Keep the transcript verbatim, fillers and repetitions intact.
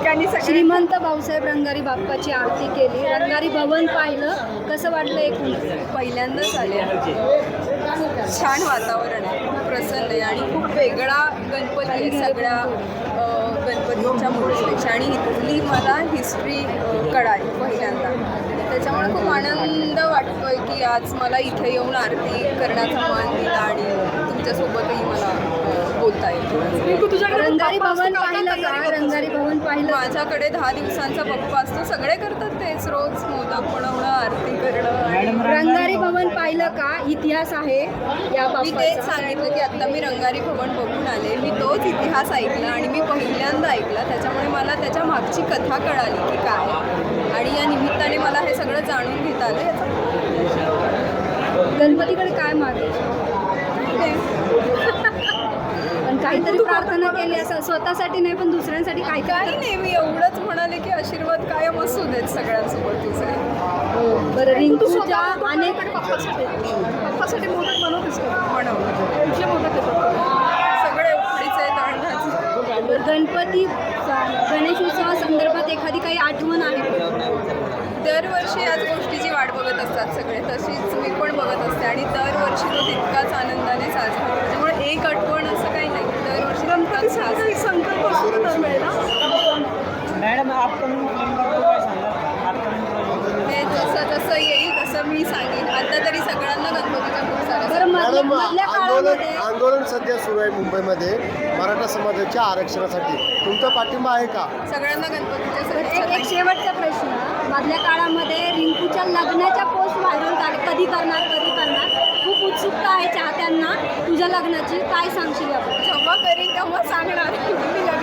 ठिकाणी सगळे श्रीमंत भाऊसाहेब रंगारी बाप्पाची आरती केली, रंगारी भवन पाहिलं, कसं वाटलं एकूण? पहिल्यांदाच आले. खूप छान वातावरण आहे, खूप प्रसन्न आहे आणि खूप वेगळा गणपती आहे सगळ्या अ, गणपतींच्या मूर्तीपेक्षा. आणि इथली मला हिस्ट्री कळाली पहिल्यांदा, त्याच्यामुळे खूप आनंद वाटतोय की आज मला इथे येऊन आरती करण्याचा मान दिला आणि तुमच्यासोबतही मला अ, बोलता येईल. रंगारी भवन पाहिलं का? रंगारी भवन पाहिलं? माझ्याकडे दहा दिवसांचा बाप्पा असतो, सगळे करतात तेच, रोज मोदक बनवणं, आरती करणं. रंगारी भवन पाहिलं का? इतिहास आहे या मी तेच बाप्पाचा. सांगितलं की आत्ता मी रंगारी भवन बघून आले, मी तोच इतिहास ऐकला आणि मी पहिल्यांदा ऐकला, त्याच्यामुळे मला त्याच्या मागची कथा कळाली की काय, आणि या निमित्ताने मला हे सगळं जाणून घेता आलं. गणपतीकडे काय मागायचं? पण काहीतरी प्रार्थना केली असं, स्वतःसाठी नाही पण दुसऱ्यांसाठी काय काय? काही नाही, मी एवढंच म्हणाले की आशीर्वाद कायम असू देत सगळ्यांसोबत तुझे. बरं, रिंकूच्या अनेक पप्पासाठी मोदक बनवतेस का? बनवलं. कुठले मोदक येतात? सगळे उकडीचे, तांदळाचे. गणपती गणेशोत्सवा संदर्भात एखादी काही आठवण आहे का? दरवर्षी याच गोष्टीची वाट बघत असतात सगळे, तशीच मी पण बघत असते आणि दरवर्षी तो तितकाच आनंदाने साजरा होतो. त्यामुळे एक आठवण असं काही नाही, दरवर्षी गणपती साजरा संकल्प असतो मॅडम अपकमिंग फिल्मबद्दल काय सांगा? हे जसं जसं येईल तसं मी सांगेन. आता तरी सगळ्यांना गणपतीच्या खूप साऱ्या बरं, मधल्या मॅडम, मधल्या आंदोलन काळामध्ये आंदोलन सध्या सुरू आहे मुंबईमध्ये मराठा समाजाच्या आरक्षणासाठी. तुमचा पाठिंबा आहे का? सगळ्यांना गणपतीच्या एक एक सगळ्या शेवटचा प्रश्न. मधल्या काळामध्ये रिंकूच्या लग्नाच्या पोस्ट व्हायरल झाले, कधी करणार कधी करणार, खूप उत्सुकता आहे चाहत्यांना तुझ्या लग्नाची, काय सांगशील याबद्दल? जेव्हा करीन तेव्हा सांगणार. मी